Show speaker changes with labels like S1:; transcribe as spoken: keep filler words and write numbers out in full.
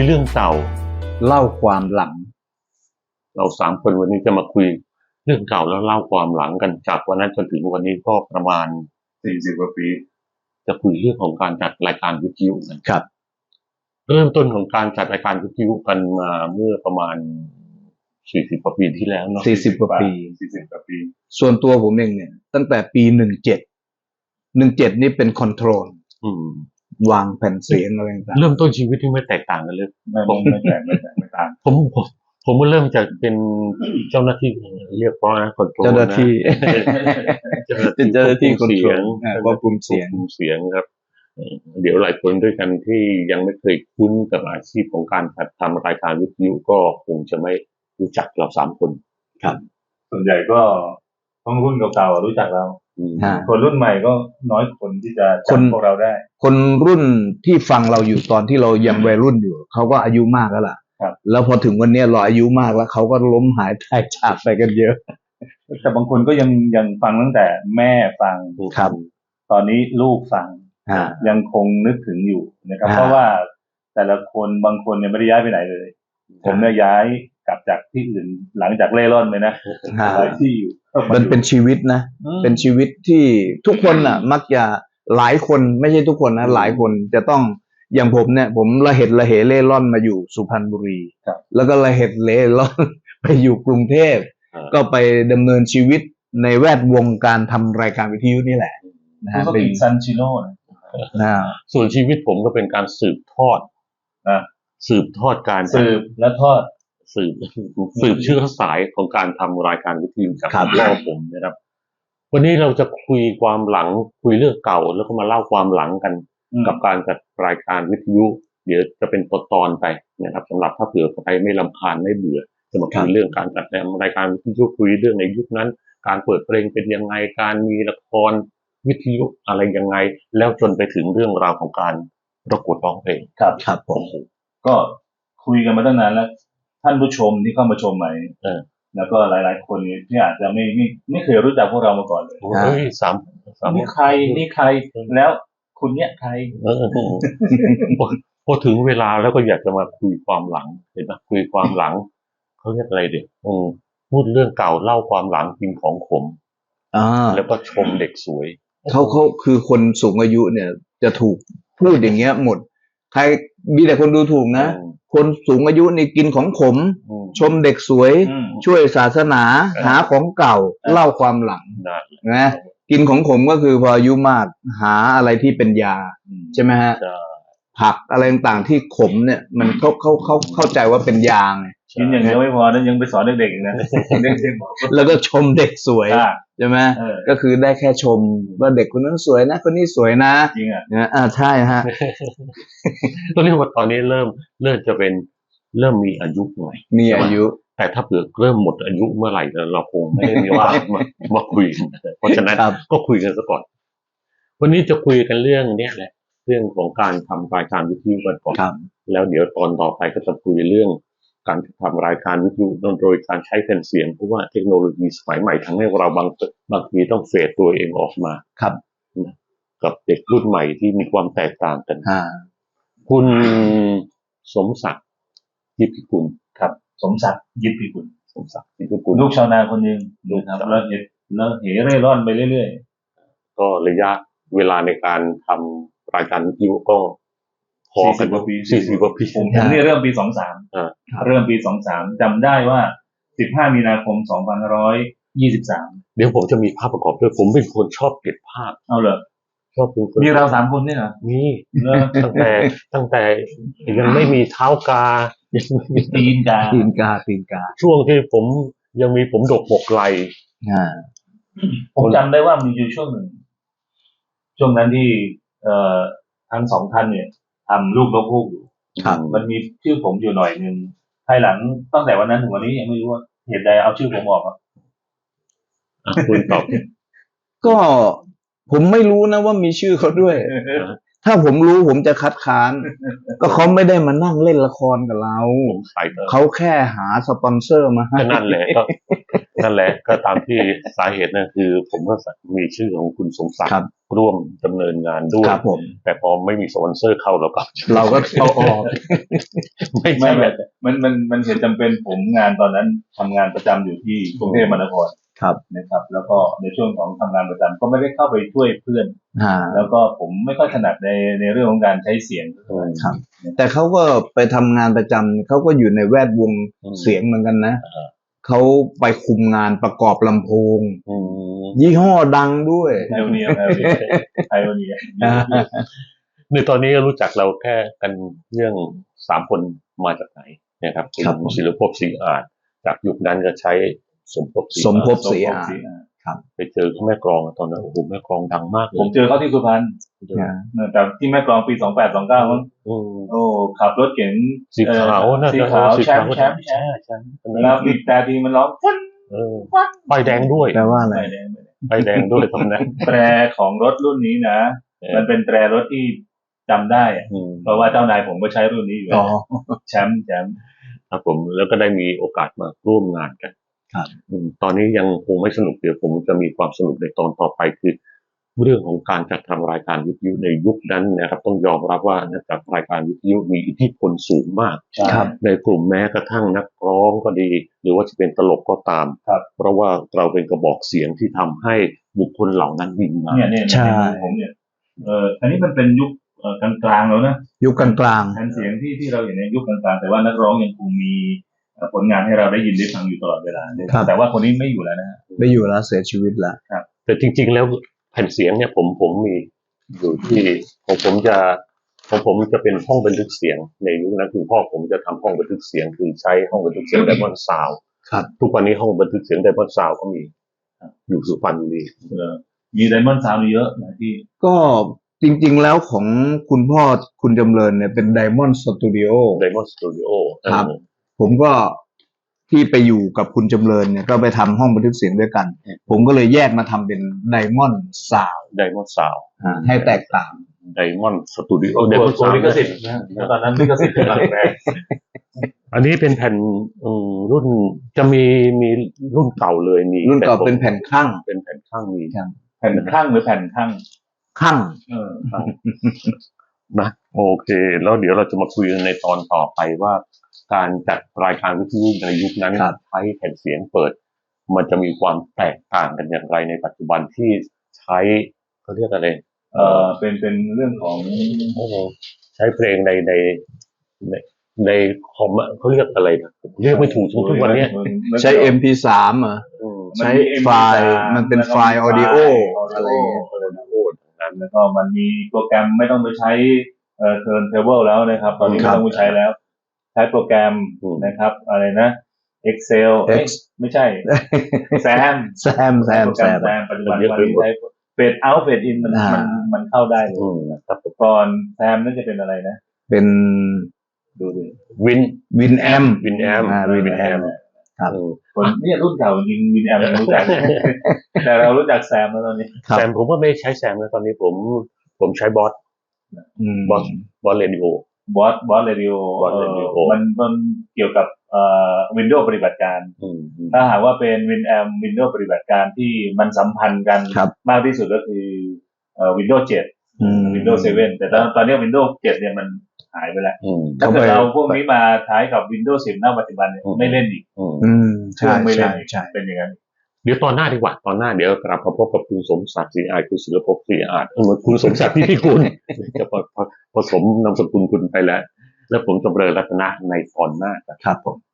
S1: เรื่องเก่า
S2: เล่าความหลัง
S1: เราสามคนวันนี้จะมาคุยเรื่องเก่าแล้วเล่าความหลังกันจากวันนั้นจนถึงวันนี้ก็ประมาณสี่สิบกว่าปีจะคุยเรื่องของการจัดรายการวิทยุกัน
S2: ครับ
S1: เริ่มต้นของการจัดรายการวิทยุกันมาเมื่อประมาณสี่สิบกว่าปีที่แล้วเนาะ
S2: สี่สิบกว่าปี
S1: สี่สิบกว่าปี
S2: ส่วนตัวผมเองเนี่ยตั้งแต่ปีหนึ่งเจ็ดหนึ่งเจ็ดนี่เป็นคอนโทรลวางแผ่นเสียงอะไรต่าง
S1: เริ่มต้นชีวิตที่ไม่แตกต่างกันเลย
S3: ผมไม่แตกไม่แตกไม่ต่าง
S1: ผมผมผมเริ่มจากเป็นเจ้าหน้าที่เรียกว่าคอนโทรล
S2: เจ้าหน้าที่
S1: เป็นเจ้าหน้าที่คอนโทรล
S2: ควบคุมเสียง
S1: เสียงครับเดี๋ยวหลายคนด้วยกันที่ยังไม่เคยคุ้นกับอาชีพของการทำรายการวิทยุก็คงจะไม่รู้จักเราสามคน
S3: ครับส่วนใหญ่ก็ต้องรุ่นเก่าๆรู้จักเราคนรุ่นใหม่ก็น้อยคนที่จะจำพวกเราได้
S2: คนรุ่นที่ฟังเราอยู่ตอนที่เรายังวัยรุ่นอยู่เขาก็อายุมากแล้วล่ะแล้วพอถึงวันนี้เราอายุมากแล้วเขาก็ล้มหายตายจากไปกันเยอะ
S3: แต่บางคนก็ยังยังฟังตั้งแต่แม่ฟัง
S2: ครับ
S3: ตอนนี้ลูกฟังยังคงนึกถึงอยู่นะครับเพราะว่าแต่ละคนบางคนเนี่ยไม่ได้ย้ายไปไหนเลยผมเนี่ยย้ายกลับจากที่อื่นหลังจากเล่ร่อนไปนะหลายที่อยู่
S2: มันเป็นชีวิตนะเป็นชีวิตที่ทุกคนน่ะมักจะหลายคนไม่ใช่ทุกคนนะหลายคนจะต้องอย่างผมเนี่ยผมละเหตุละเหเล่ร่อนมาอยู่สุพรรณบุรีแล้วก็ละเหตุเล่ร่อนไปอยู่กรุงเทพก็ไปดำเนินชีวิตในแวดวงการทำรายการวิทยุนี่แหละ
S3: นะฮะเป็นซันชิโน่
S1: นะส่วนชีวิตผมก็เป็นการสืบทอด
S3: นะ
S1: สืบทอดการ
S3: สืบและทอด
S1: สืบสืบเชื้อสายของการทำรายการวิทยุจากพ่อผมนะครับวันนี้เราจะคุยความหลังคุยเรื่องเก่าแล้วก็มาเล่าความหลังกันกับการจัดรายการวิทยุเดี๋ยวจะเป็นตอนๆไปนะครับสำหรับถ้าเผื่อใครไม่รำคาญไม่เบื่อจะมาคุยเรื่องการจัดรายการวิทยุคุยเรื่องในยุคนั้นการเปิดเพลงเป็นยังไงการมีละครวิทยุอะไรยังไงแล้วจนไปถึงเรื่องราวของการประกวดร้องเพลง
S3: ครับครับผมก็คุยกันมาตั้งนานแล้วท่านผู้ชมที่เข้ามาชมใหม่แล้วก็หลายๆคนที่อาจจะไม่ไม่ไม่เคยรู้จักพวกเรามาก่อนเลย
S1: เฮ้ยสาม
S3: สามนี่ใครนี่ใครแล้วคุณเนี่ยใคร
S1: พอถึงเวลาแล้วก็อยากจะมาคุยความหลังเห็นไหมคุยความหลังเขาเรียกอะไรเด็กพูดเรื่องเก่าเล่าความหลังกินของขมแล้วก็ชมเด็กสวย
S2: เขาเขาคือคนสูงอายุเนี่ยจะถูกพูดอย่างเงี้ยหมดใครมีแต่คนดูถูกนะคนสูงอายุนี่กินของขมชมเด็กสวยช่วยศาสนาหาของเก่าเล่าความหลังนะกินของขมก็คือพออายุมากหาอะไรที่เป็นยาใช่ไหมฮะผักอะไรต่างๆที่ขมเนี่ยมันเขาเขาเขาเข้าใจว่าเป็นยาไง
S3: กินอย่างเดียวไม่พอนะยังไปสอนเด็กๆอีกนะ
S2: แล้วก็ชมเด็กสวยใช่ไหมก็คือได้แค่ชมว่าเด็กคนนั้นสวยนะคนนี้สวยนะ
S3: จริงอ่ะ
S2: อ่าใช่ฮะ
S1: ตอนนี้ว่าตอนนี้เริ่มเริ่มจะเป็นเริ่มมีอายุหน่อย
S2: มีอายุ
S1: แต่ถ้าเผื่อเริ่มหมดอายุเมื่อไหร่เราคงไม่ได้มีว่ามามาคุยเพราะฉะนั้นก็คุยกันซะก่อนวันนี้จะคุยกันเรื่องเนี้ยแหละเรื่องของการทำรายการวิทยุกันก่อนแล้วเดี๋ยวตอนต่อไปก็จะคุยเรื่องการทำรายการวิทยุโดยการใช้แผ่นเสียงเพราะว่าเทคโนโลยีสมัยใหม่ทำให้เราบางบางทีต้องเฟดตัวเองออกมา
S2: ครับ
S1: กับเด็กรุ่นใหม่ที่มีความแตกต่างกันคุณสมศักดิ์ยิปพิกุล
S3: ครับสมศักดิ์ยิปพิกุล
S1: สมศักดิ์ยิปพิกุล
S3: ลูกชาวนาคนหนึ่งดูครับแล้วเหตุแล้วเหเร่ร่อนไปเรื่อย
S1: ๆก็ระยะเวลาในการทำรายการวิทยุก็
S3: พอกันกว่าปี
S1: สี่สิบกว่าปี
S3: ผมนี่เริ่มปีสองสามเริ่มปีสองสามจำได้ว่าสิบห้ามีนาคมสองพันห้าร้อยยี่สิบสาม
S1: เดี๋ยวผมจะมีภาพประกอบด้วยผมเป็นคนชอบเก็บภาพ
S3: เอาเลย
S1: ชอบเป็นคน
S3: มีเราสามคนเนี่ยเหรอ
S1: มีตั้งแต่ตั้งแต่ยังไม่มีเท้ากา
S3: ตีนกา
S2: ตีนกาตีนกา
S1: ช่วงที่ผมยังมีผมดกบกไหล
S3: ผมจำได้ว่ามีอยู่ช่วงหนึ่งช่วงนั้นที่เอ่อทั้งสองท่านเนี่ยทำลูกนกฮูกอยู่มันมีชื่อผมอยู่หน่อยนึงภายหลังตั้งแต่วันนั้นถึงวันนี้ยังไม่รู้ว่าเหตุใดเอาชื่อผมออกครับ
S1: คุณตอบ
S2: ก็ผมไม่รู้นะว่ามีชื่อเขาด้วยถ้าผมรู้ผมจะคัดค้านก็เขาไม่ได้มานั่งเล่นละครกับเราเขาแค่หาสปอนเซอร์มาให้
S1: นั่นแหละนั่นแหละก็ตามที่สาเหตุนั่นคือ ผมก็มีชื่อของคุณสมศัก
S2: ครั
S1: ดิ์
S2: บ
S1: ร่วมดำเนินงานด้วย
S2: ครับผม
S1: แต่พอไม่มีสปอนเซอร์เข้าเราก็
S2: เราก็เอาออก
S1: ไม่
S3: ไม่
S1: ใช่
S3: ไม่
S1: แบบ
S3: มันมันมันเหตุจำเป็นผมงานตอนนั้นทำงานประจำอยู่ที่กรุงเทพมหานคร
S2: ครับ
S3: นะครับ แล้วก็ในช่วงของทำงานประจำก็ไม่ได้เข้าไปช่วยเพื่อน
S2: อ่า
S3: แล้วก็ผมไม่ค่อยถนัดในในเรื่องของการใช้เสียงเท่าไหร่
S2: ครับ แต่เขาก็ไปทำงานประจำเขาก็อยู่ในแวดวง
S1: อืม
S2: เสียงเหมือนกันนะ
S1: อ่า
S2: เขาไปคุมงานประกอบลำโพง
S1: อืม
S2: ยี่ห้อดังด้วย
S3: ไพโอเนียไพโอเนียไพโอเนีย
S1: ในตอนนี้รู้จักเราแค่กันเรื่องสามคนมาจากไหนนะครับ
S2: ครับผม
S1: ศิลปภพศรีอาจจากยุคนั้นก็ใช้สมภพศรี
S2: สมภพ
S1: อาจ
S2: ศรีอาจ
S1: ไปเจอเขาแม่กลองตอนนั้นโอ้โหแม่กลองดังมากเล
S3: ผม
S1: ย
S3: เจอเขาที่สุพรรณ
S2: นะ
S3: แต่ที่แม่กลองปีสองแปดสองเก้ามั้ง
S1: อืม
S3: โอ้ขับรถเก๋ง
S1: สีขาว
S3: เอ่อ
S1: น่า
S3: สี
S1: จะ
S3: ขาว
S1: สี
S3: แช
S1: ขาม ว
S3: ป์แชมป์แชมป์
S1: ใช่ใช่
S3: แล้วบีบแต่ทีมันร้องฟัน
S1: เออ
S3: ฟัน
S1: ไฟแดงด้วย
S2: แปลว่าอะไร
S3: ไม่แดงไม่แดง
S1: ไฟแดงด้วยตอนนั้น
S3: แตรของรถรุ่นนี้นะ
S1: เออ
S3: มันเป็นแตรรถที่จำได้อะ
S1: อืม
S3: เพราะว่าเจ้านายผมก็ใช้รุ่นนี้อยู่
S2: อ๋อ
S3: แชมป์แชมป์
S1: ครับผมแล้วก็ได้มีโอกาสมาร่วมงานกัน
S2: ครับ
S1: อืมตอนนี้ยังคงไม่สนุกเดี๋ยวผมจะมีความสนุกในตอนต่อไปคือ เรื่องของการจัดทำรายการวิทยุในยุคนั้นนะครับ ต้องยอมรับว่านักจัดรายการวิทยุมีอิทธิพลสูงมาก
S3: ใช่
S2: ครับ
S1: ในกลุ่มแม้กระทั่งนักร้องก็ดี หรือว่าจะเป็นตลกก็ตาม
S3: ครับ
S1: เพราะว่าเราเป็นกระบอกเสียงที่ทำให้บุคคลเหล่านั้นวิ่งมา
S3: เนี่ยเนี่ย
S2: ใช่
S3: ในมุมผมเนี่ยเอออันนี้มันเป็นยุคเอ่อกลางๆแล้วนะ
S2: ยุคกลาง
S3: แผ่นเสียงที่ที่เราเห็นในยุคกลางๆแต่ว่านักร้องยังคงมีเอ่อผลงานให้เราได้ยินได้ฟังอยู่ตลอดเวลา
S2: ครับ
S3: แต่ว่าคนนี้ไม่อยู่แล้วนะฮะ
S2: ๆไม่อยู่แล้วเสียชีวิตแล้ว
S1: แต่จริง ๆ แล้วแผ่นเสียงเนี่ยผมผมมีอยู่ที่ของผมจะของผมจะเป็นห้องบันทึกเสียงในยุคนั้นคุณพ่อผมจะทำห้องบันทึกเสียงคือใช้ห้องบันทึกเสียงไดมอนด์ซาวด์
S2: ครับ
S1: ทุกวันนี้ห้องบันทึกเสียงไดมอนด์ซาวด์ก็มีอยู่สุพรรณบุรี
S3: เออมีไดมอนด์ซาวด์เยอะหลายที่
S2: ก็จริงๆแล้วของคุณพ่อคุณจำเริญเนี่ยเป็น Diamond Studio
S1: ไดมอนด์สตูดิโอ
S2: ครับ ผมก็ที่ไปอยู่กับคุณจำเริญเนี่ยก็ไปทำห้องบันทึกเสียงด้วยกัน ผมก็เลยแยกมาทำเป็น Diamond Sound
S1: ไดมอนด์ซาวด์
S2: อ่าให้แตกต่าง
S1: ไดมอนด์สตูดิโอ
S3: โอ้
S1: ได
S3: โห
S1: มอนด์
S3: โก
S1: ซาว
S3: ลิ
S1: ด์
S3: ขสิทธิ์นะตอนนั้นลิขสิทธิ์กำลังแรง
S1: อันนี้เป็นแผ่นอืมรุ่นจะมีมีรุ่นเก่าเลยมี
S2: รุ่นเก่า
S1: แต่ผม
S2: เป็นแผ่นข้าง
S1: เป็นแผ่นข้างมี
S3: แผ่นข้างหรือแผ่นข้าง
S2: ข้าง
S3: เออข้าง
S1: นะโอเค แล้วเดี๋ยวเราจะมาคุยกันในตอนต่อไปว่า การจัดรายการวิทยุในยุคนั้น
S2: ครับ
S1: ใช้แผ่นเสียงเปิด มันจะมีความแตกต่างกันอย่างไรในปัจจุบันที่ใช้เขาเรียกอะไร
S3: เออเป็นเป็นเรื่องของ
S1: โอ้โหใช้เพลงในในในในคอมอะเขาเรียกอะไรนะผมเรียกไม่ถูกทุกวันเนี้ย
S2: ใช้ เอ็ม พี สาม เหรอ
S1: อืม
S2: ใช้ไฟล์มันเป็นไฟล์ audio อะไรอย่างเงี้ย
S3: แล้วก็มันมีโปรแกรมไม่ต้องไปใช้เอ่อ turntable แล้วนะครับ ตอนนี้
S2: ครั
S3: ไม่
S2: บ
S3: ต้องไปใช้แล้ว ใช้โปรแกรม
S1: อืม
S3: นะครับ อะไรนะ Excel เอ้ย
S2: X
S3: ไม่ใช่ แซม
S2: แซมแซม
S3: โปร
S2: แซ
S3: แกรม
S2: ม
S3: แซมปัจจุบันวันนี้ใช้เฟดเอาเฟดอินมัน
S2: อ่ามั
S3: มันมันเข้าได้เลย
S1: อืมครับ
S3: ก่อนแซมนั่นจะเป็นอะไรนะ
S2: เป็น
S3: ดูดิ
S1: วิน
S2: วินแอม
S1: วินแอม
S2: อ่า Win Amp ครับ
S1: อืม
S3: คนเนี่ยรุ่นเก่าจริงวินแอมยังรู้จัก แต่เรารู้จักแซมแล้วตอนนี้
S2: ครับ
S1: แซมผมก็ไม่ใช้แซมแล้วตอนนี้ผมผมใช้บอส
S2: อืม
S1: บอสบอสเรดิโอบ
S3: อสบอสเรดิโอ
S1: Boss Radio
S3: มันมันเกี่ยวกับเอ่อวินโดว์ปฏิบัติการ
S1: อืมอืม
S3: ถ้าหากว่าเป็นวินแอมวินโดว์ปฏิบัติการที่มันสัมพันธ์กัน
S2: ครับ
S3: มากที่สุดก็คือเอ่อ Windows เจ็ด
S2: อืม
S3: Windows เซเว่นแต่ตอนตอนนี้ Windows เจ็ดเนี่ยมันหายไปแล้ว
S1: อืม
S3: ถ้าเกิด
S2: เข้าไป
S3: เราพวกนี้มาใช้กับ Windows สิบณปัจจุบันเนี่ย
S1: อืม
S3: ไม่เล่นอีก
S1: อืม
S2: อืม
S3: เครื่
S2: ใช่
S3: องไม่เล่
S2: ใช่
S3: นอีก
S2: ใช่
S3: เป็นอย่างนั้น
S1: เดี๋ยวตอนหน้าดีกว่าตอนหน้าเดี๋ยวกลับมาพบกับคุณสมศักดิ์ศรีอาจคุณศิลปภพศรีอาจเออคุณสมศักดิ์ที่พี่คุณจะผผสมนามสกุลคุณไปแล้ว แล้วผมจำเริญรัตนะในตอนหน้าครับ
S2: ครับผม